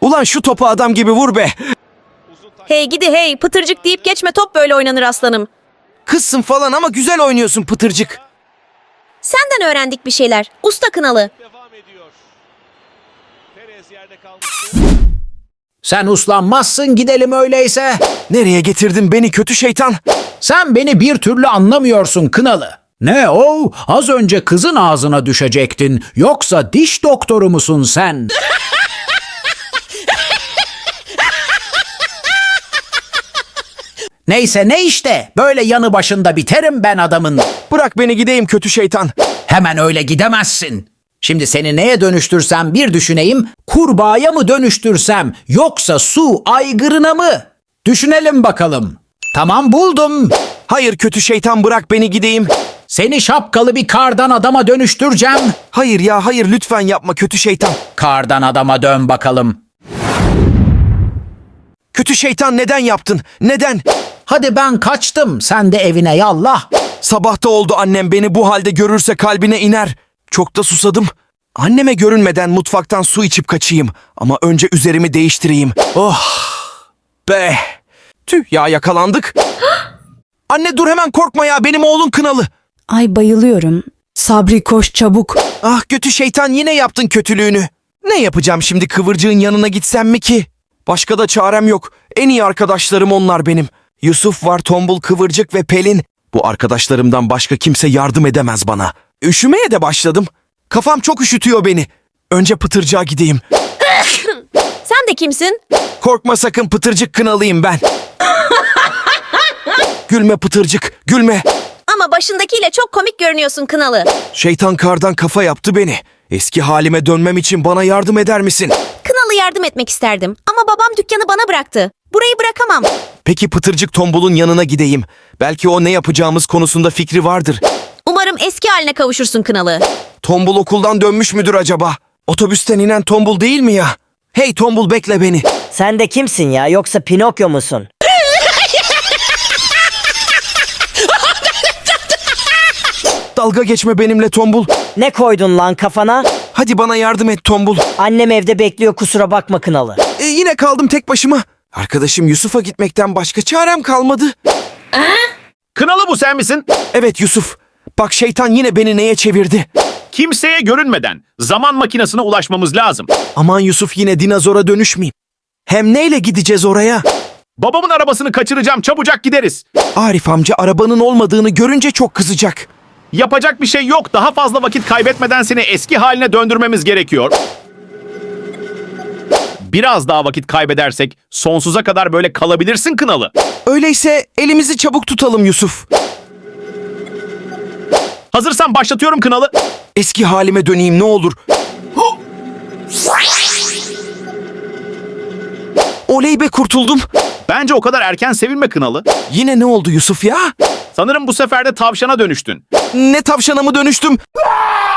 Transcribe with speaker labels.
Speaker 1: Ulan şu topu adam gibi vur be.
Speaker 2: Hey gidi hey, pıtırcık deyip geçme, top böyle oynanır aslanım.
Speaker 1: Kızsın falan ama güzel oynuyorsun Pıtırcık.
Speaker 2: Senden öğrendik bir şeyler. Usta Kınalı.
Speaker 3: Devam ediyor. Perez yerde kalmıştı.
Speaker 4: Sen uslanmazsın, gidelim öyleyse.
Speaker 1: Nereye getirdin beni kötü şeytan?
Speaker 4: Sen beni bir türlü anlamıyorsun Kınalı. Ne o? Az önce kızın ağzına düşecektin. Yoksa diş doktoru musun sen? Neyse ne işte. Böyle yanı başında biterim ben adamın.
Speaker 1: Bırak beni gideyim kötü şeytan.
Speaker 4: Hemen öyle gidemezsin. Şimdi seni neye dönüştürsem bir düşüneyim. Kurbağaya mı dönüştürsem yoksa su aygırına mı? Düşünelim bakalım. Tamam, buldum.
Speaker 1: Hayır kötü şeytan, bırak beni gideyim.
Speaker 4: Seni şapkalı bir kardan adama dönüştüreceğim.
Speaker 1: Hayır ya hayır, lütfen yapma kötü şeytan.
Speaker 4: Kardan adama dön bakalım.
Speaker 1: Kötü şeytan, neden yaptın? Neden?
Speaker 4: Hadi ben kaçtım. Sen de evine yallah.
Speaker 1: Sabah da oldu, annem beni bu halde görürse kalbine iner. Çok da susadım. Anneme görünmeden mutfaktan su içip kaçayım. Ama önce üzerimi değiştireyim. Oh be. Tüh ya, yakalandık. Anne dur, hemen korkma ya, benim oğlun Kınalı.
Speaker 5: Ay bayılıyorum. Sabri koş çabuk.
Speaker 1: Ah kötü şeytan, yine yaptın kötülüğünü. Ne yapacağım şimdi, Kıvırcığın yanına gitsem mi ki? Başka da çarem yok. En iyi arkadaşlarım onlar benim. Yusuf var, Tombul, Kıvırcık ve Pelin. Bu arkadaşlarımdan başka kimse yardım edemez bana. Üşümeye de başladım. Kafam çok üşütüyor beni. Önce Pıtırcık'a gideyim.
Speaker 2: Sen de kimsin?
Speaker 1: Korkma sakın, Pıtırcık Kınalıyım ben. Gülme Pıtırcık, gülme.
Speaker 2: Ama başındakiyle çok komik görünüyorsun Kınalı.
Speaker 1: Şeytan kardan kafa yaptı beni. Eski halime dönmem için bana yardım eder misin?
Speaker 2: Kınalı yardım etmek isterdim ama babam dükkanı bana bıraktı. Burayı bırakamam.
Speaker 1: Peki Pıtırcık Tombul'un yanına gideyim. Belki o ne yapacağımız konusunda fikri vardır.
Speaker 2: Umarım eski haline kavuşursun Kınalı.
Speaker 1: Tombul okuldan dönmüş müdür acaba? Otobüsten inen Tombul değil mi ya? Hey Tombul, bekle beni.
Speaker 6: Sen de kimsin ya? Yoksa Pinokyo musun?
Speaker 1: Dalga geçme benimle Tombul.
Speaker 6: Ne koydun lan kafana?
Speaker 1: Hadi bana yardım et Tombul.
Speaker 6: Annem evde bekliyor, kusura bakma Kınalı.
Speaker 1: Yine kaldım tek başıma. Arkadaşım Yusuf'a gitmekten başka çarem kalmadı.
Speaker 3: Kınalı, bu sen misin?
Speaker 1: Evet Yusuf. Bak şeytan yine beni neye çevirdi?
Speaker 3: Kimseye görünmeden zaman makinesine ulaşmamız lazım.
Speaker 1: Aman Yusuf, yine dinozora dönüşmeyeyim. Hem neyle gideceğiz oraya?
Speaker 3: Babamın arabasını kaçıracağım, çabucak gideriz.
Speaker 1: Arif amca arabanın olmadığını görünce çok kızacak.
Speaker 3: Yapacak bir şey yok. Daha fazla vakit kaybetmeden seni eski haline döndürmemiz gerekiyor. Biraz daha vakit kaybedersek sonsuza kadar böyle kalabilirsin Kınalı.
Speaker 1: Öyleyse elimizi çabuk tutalım Yusuf.
Speaker 3: Hazırsan başlatıyorum Kınalı.
Speaker 1: Eski halime döneyim ne olur. Oley be, kurtuldum.
Speaker 3: Bence o kadar erken sevinme Kınalı.
Speaker 1: Yine ne oldu Yusuf ya?
Speaker 3: Sanırım bu sefer de tavşana dönüştün.
Speaker 1: Ne tavşana mı dönüştüm?